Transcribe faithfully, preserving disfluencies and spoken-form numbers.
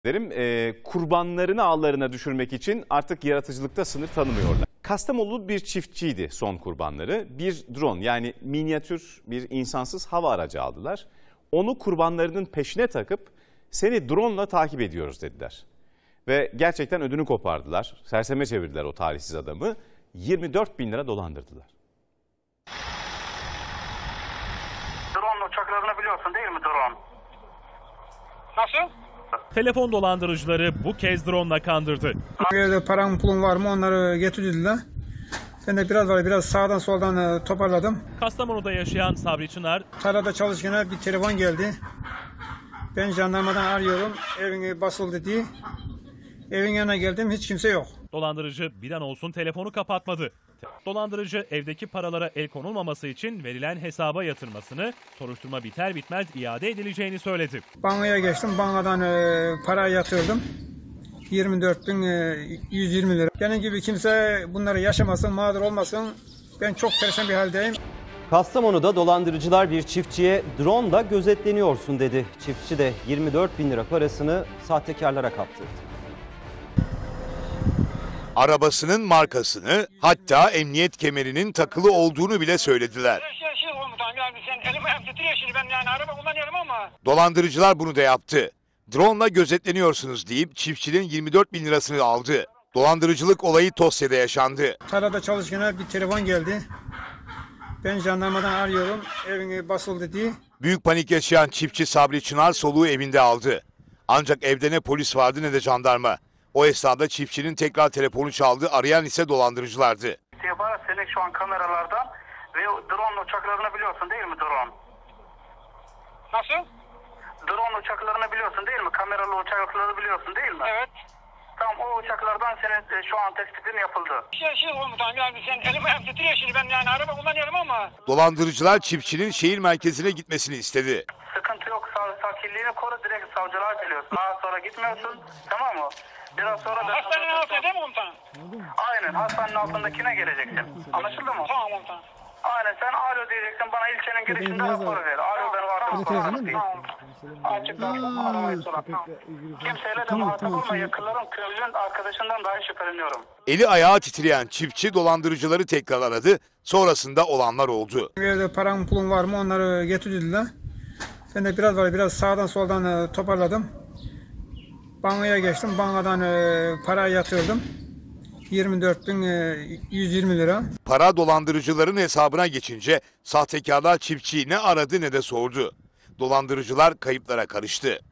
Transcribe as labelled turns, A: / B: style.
A: E, kurbanlarını ağlarına düşürmek için artık yaratıcılıkta sınır tanımıyorlar. Kastamonulu bir çiftçiydi son kurbanları. Bir drone, yani minyatür bir insansız hava aracı aldılar. Onu kurbanlarının peşine takıp seni drone'la takip ediyoruz dediler. Ve gerçekten ödünü kopardılar. Serseme çevirdiler o talihsiz adamı. yirmi dört bin lira dolandırdılar.
B: Drone uçaklarını biliyorsun değil mi, drone? Nasıl?
C: Telefon dolandırıcıları bu kez drone'la kandırdı.
D: Evde param pulum var mı, onları getirdiler. Ben de biraz var biraz sağdan soldan toparladım.
C: Kastamonu'da yaşayan Sabri Çınar,
D: tarlada çalışırken bir telefon geldi. Ben jandarmadan arıyorum, evin basıldı diye. Evin yanına geldim, hiç kimse yok.
C: Dolandırıcı bir an olsun telefonu kapatmadı. Dolandırıcı evdeki paralara el konulmaması için verilen hesaba yatırmasını, soruşturma biter bitmez iade edileceğini söyledi.
D: Bankaya geçtim, bankadan e, para yatırdım. yirmi dört bin yüz yirmi lira. Benim gibi kimse bunları yaşamasın, mağdur olmasın. Ben çok perişan bir haldeyim.
E: Kastamonu'da dolandırıcılar bir çiftçiye drone'la gözetleniyorsun dedi. Çiftçi de yirmi dört bin lira parasını sahtekarlara kaptırdı.
F: Arabasının markasını, hatta emniyet kemerinin takılı olduğunu bile söylediler. Dolandırıcılar bunu da yaptı. Drone'la gözetleniyorsunuz deyip çiftçinin yirmi dört bin lirasını aldı. Dolandırıcılık olayı Tosya'da yaşandı.
D: Tarlada çalışırken bir telefon geldi. Ben jandarmadan arıyorum, evin basıldı diye.
F: Büyük panik yaşayan çiftçi Sabri Çınar soluğu evinde aldı. Ancak evde ne polis vardı ne de jandarma. O esnada çiftçinin tekrar telefonu çaldı, arayan ise dolandırıcılardı.
B: İstihbarat senin şu an kameralardan ve drone uçaklarını biliyorsun değil mi, drone? Nasıl? Drone uçaklarını biliyorsun değil mi? Kameralı uçakları biliyorsun değil mi? Evet. Tamam, o uçaklardan senin e, şu an tespitin yapıldı. Şey şey komutanım, yani sen elim ayağım titriyor şimdi, ben yani araba kullanıyorum ama.
F: Dolandırıcılar çiftçinin şehir merkezine gitmesini istedi.
B: Sıkıntı yok, sakinliğini koru, direkt savcılığa geliyorsun. Daha sonra gitmiyorsun, tamam mı? Biraz sonra da... Hastanenin altında değil mi komutanım? Aynen, hastanenin altındakine geleceksin. Anlaşıldı mı? Tamam komutanım. Aynen, sen alo diyeceksin, bana ilçenin girişinde rapor ver. Alo benim arkadaşım konuşmak değil. Açık aramayı sorar. Kimseyle de muhatap olma, yakınlarım, köylünün arkadaşından dahi şüpheleniyorum.
F: Eli ayağı titreyen çiftçi dolandırıcıları tekrar aradı, sonrasında olanlar oldu.
D: Evde param pulum var mı, onları getirdiler. Ben de biraz var biraz sağdan soldan toparladım. Bankaya geçtim, bankadan e, para yatırdım. yirmi dört bin yüz yirmi lira.
F: Para dolandırıcıların hesabına geçince sahtekarlar çiftçiyi ne aradı ne de sordu. Dolandırıcılar kayıplara karıştı.